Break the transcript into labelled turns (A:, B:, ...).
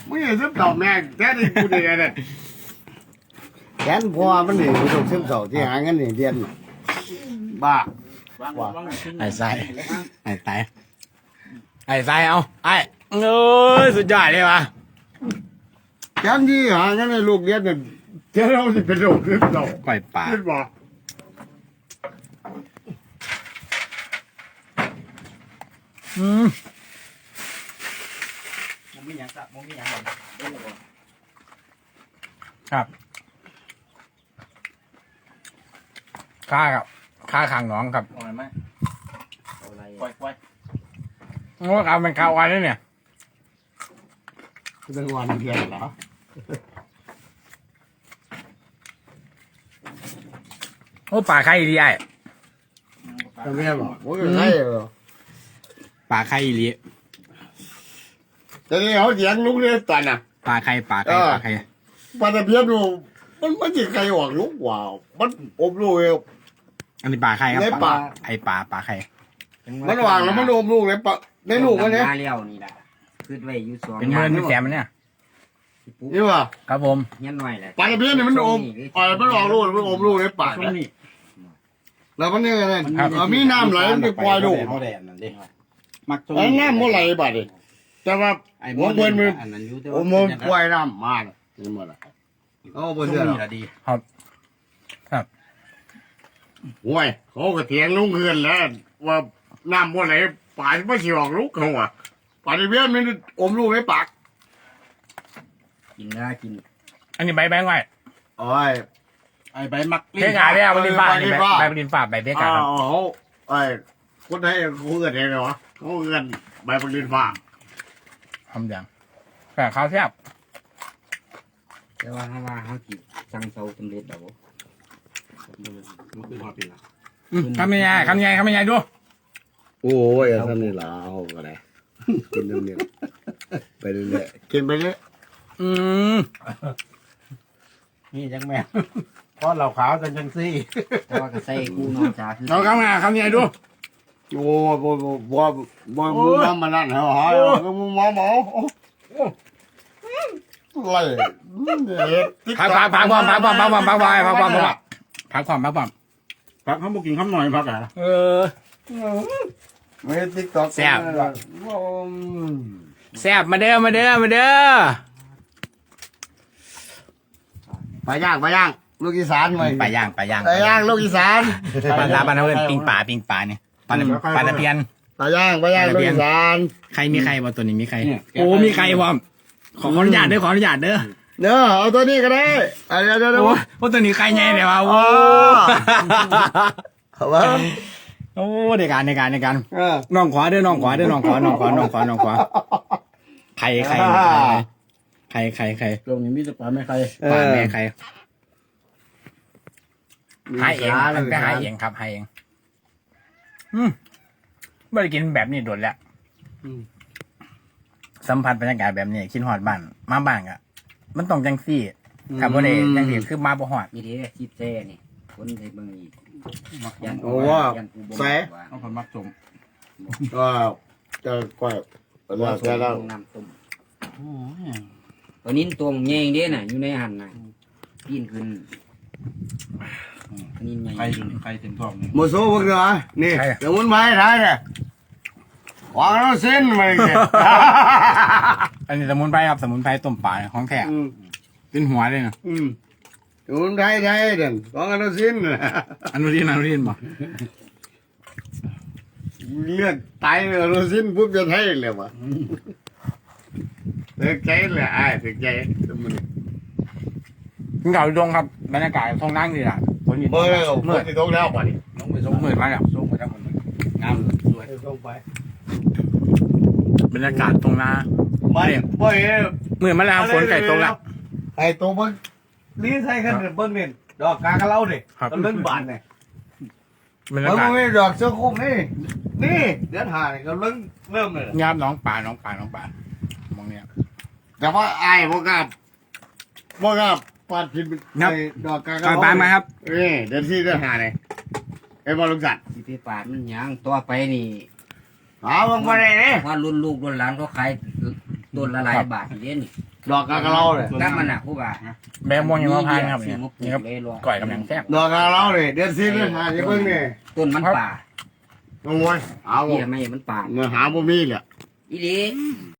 A: ไม่ใช่ซึมเศร้าแม่แค่ที่กูเดียเนี่ยแขนพอมันนี่มันต้องซึมเศร้าที่หาเงินนี่เรียนบ้า
B: ไอ้ไส้ไอ้ไส้ไอ้ไส้เอาไอ้เอ้ยสุดยอดเลยว่ะ
A: แขนที่หาเงินในลูกเรียนเนี่ยแค่เราสิเป็นโรคซึมเศร้า
B: ปล่อยปลา
A: ขึ้นบ่
C: มึงมีอย่างสักมึงมีอย่างแบบ
B: ครับค่าครับค่าขังน้องครับ
C: อ่อนไหมอะไรปล่อย
B: โอ้ครับเป็นข้าววันนี่เนี่ย
A: เป็นวันเดียวเหรอ
B: โอ้ปลาไข่ดีไอ้
A: ทำไมบอกโอ้ยใช่เหรอ
B: ปลาไข่ดี
A: แต่นี่เขาเสียงลูกเรียนตันอ่ะ
B: ปลาไข่ปลาไข่ปลาไข่
A: ปลาตะเพียนดูมันจะใครออกลูกว้าวมันอบลูกเอว
B: อันนี้ปลาไข่ครับ
A: ในปลา
B: ไอ้ปลาไข่
A: มันวางแล้วมันอบลูกเลยปะในลูกมันเนี่ย
C: มาเลี้ยวนี่แหละขึ้นไว้อยู่สอง
B: เป็นเงินเป็นแสนมันเนี่ย
A: นี่ว่ะ
B: ครับผม
C: เงี้ยหน่อยแหละ
A: ปลาตะเพียนเนี่ยมันอบมันออกลูกมันอบลูกในปากแล้วมันเนี่ยไงมีน้ำไหลมันจะปล่อยลูก
B: เขาแดดนั่นดิมัก
A: ไอ้น้ำมันไหลบัดดิแต่ว่าหัวเบิ้ลมันโอ้มันปล่อยน้ำมานี่หมดละเอาไปเสื้อหรอ
B: ดีครับ
A: ห่วยเขาก็เถียงลุงเกินแล้วว่าน้ำมันไหลปากไม่สิออกลูกเขาอ่ะปลาตะเพียนมันอมลูกในปาก
C: กินได้กิน
B: อันนี้ใบแบงค์ไว้
A: โอ้ย
D: ไอ้ใบมัก
B: เบกาเนี่ยใบดินฟ้านี่ใบดินฟ้าใบเบกาครับ
A: เขาไอ้คนไทยเขาเกิดเองเหรอเขาเกิดใบปลินฟ้า
B: ทำอย่างแต่ข้าวแซ่บ
C: แต่ว่าเขากินสั่งเตาสำเร็จแล้ว
D: มันคือหอดปีละ
B: ทำยังไงทำยังไงทำยังไงดู
A: โอ้ยท่านนี่ล่ะเอาก็ได้กินเรื่อยๆไปเรื่อยๆกินไปเรื่อย
B: อืม
D: นี่จังแม่เพราะเราขาวจังซี่
C: เพราะว่าก็ใส่กูนอนจ้าคือ
B: เราทำยังไงทำยังไงดู
A: โอ้บ่มึงทำมานั่นเหรอฮะมึงมองอะไร
B: พักความพักความ
D: พักเขาบอกกินข้าวหน่อยพักอ่ะ
B: เออ
A: ไม่ติ๊กต็อก
B: แซ่บมาเด้อไป
A: ย่างลูกอีสานไป
B: ไปย่าง
A: ลูกอีสาน
B: ปลาเพื่อนปิ้งปลาเนี่ยปลาตะเพียน
A: ไปย่างลูกอีสาน
B: ใครมีใครบ่ตัวนี้มีใครโอ้มีใครบ่ขออนุญาตเด้อ
A: เด้อเอาตัวนี้ก็ได้เดี๋ยว
B: โอ้ตัวนี้ใครใหญ่เนี่ยวะโอ้โอ้ในการน้องขวาเด้อน้องขวาใคร
D: ตรงนี้มีแต่ปลาไม่ใคร
B: ปลาแม่ใครหายเองมันก็หายเองครับหายเองไม่ได้กินแบบนี้โดนแล้วสัมผัสบรรยากาศแบบนี้คิดฮอดบ้านมาบ้านอ่ะมันต้องจังซี่ครับบ่ได้จังซี่คือมาบ่ฮอด
C: มีเท่จิตแซ่นี่คนในเมืองอีก
A: โอ้ว่าแซ่
D: เอาคนมักจม
A: ก็จะก้อยว่าแซ่แล้ว
C: น้ำต้มตัวนี้ตัวเงี้ยงเด้น่ะอยู่ในหันน่ะปีนขึ้นนี่ไง
D: ใครเต็มท้องนี่
A: โมโซ่พวกเด้อนี่เดี๋ยวมันไม้ท้ายเนี่ยวางแล้วเส้นมาเลย
B: อันนี้สมุนไพรครับสมุนไพรต้มปลาของแท้เป็นหัวเลยนะ
A: เดี๋ยวมันไทยเด่นวางแล้วเส้น
B: อนุทินบ่
A: เลือดตายแล้วเส้นปุ๊บจะไทยเลยวะเลือดใจเลยถึงใจสมุน
B: กินข้าวดงครับบรรยากาศท้องนั่งดีล่ะฝนอยู่
A: เมื่อที่ตกแล้วป่ะนี่
D: ลงไปส่ง
B: มืดมาแล้ว
D: ส่งไปทั้งหมดงามสวยส่งไป
B: บรรยากาศตรงนา
A: ไม่
B: มืดมาแล้วฝนไก่ตกแล้ว
A: ไอ้ตัวมัน
D: นี่ใช่กันเบิ้งเนี่ยดอกกากระเล่าดิต้นเบิ้งบานเนี่ย
B: บรร
A: มั
B: ยานกาศ
A: ไม่ดอกเสื้อคลุมนี่เดือนหาเนี่ยก็เริ่มเลย
B: งามน้องป่ามองเนี่ย
A: แต่ว่าไอ้พวกกับปาดผิดดอกกากระ
B: ปลามาครับ
A: เดือนที่เดือนหาเนี่ยไอ้บอลลูกสัตว์
C: สิไปปาดมันยังต่อไปนี่
A: บางมาเลยเนี่ย
C: ว่ารุ่นลูกรุ่นหลานเขาขายต้นละหลายบาทเด้นี่
A: ดอกกากะเราเลย
C: น้ำมันอ่ะผู้บ่า
B: แบงม่วงยังมาพานครับ
C: ซื้
B: นี่
C: อ
B: ครับ
C: มาปลู
B: นี่ครับ
C: กเลยรอ
B: ก่อยกำลังแซ่บ
A: ดอกกากะเราเลยเดือนสิบเลยหาจะเบิ่งนี่
C: ต้นมันป่า
A: โอ้ยเอา
C: เหี้ยไม่มันป่า
A: เมื่อหาบ่มีแหละ
C: อีหลี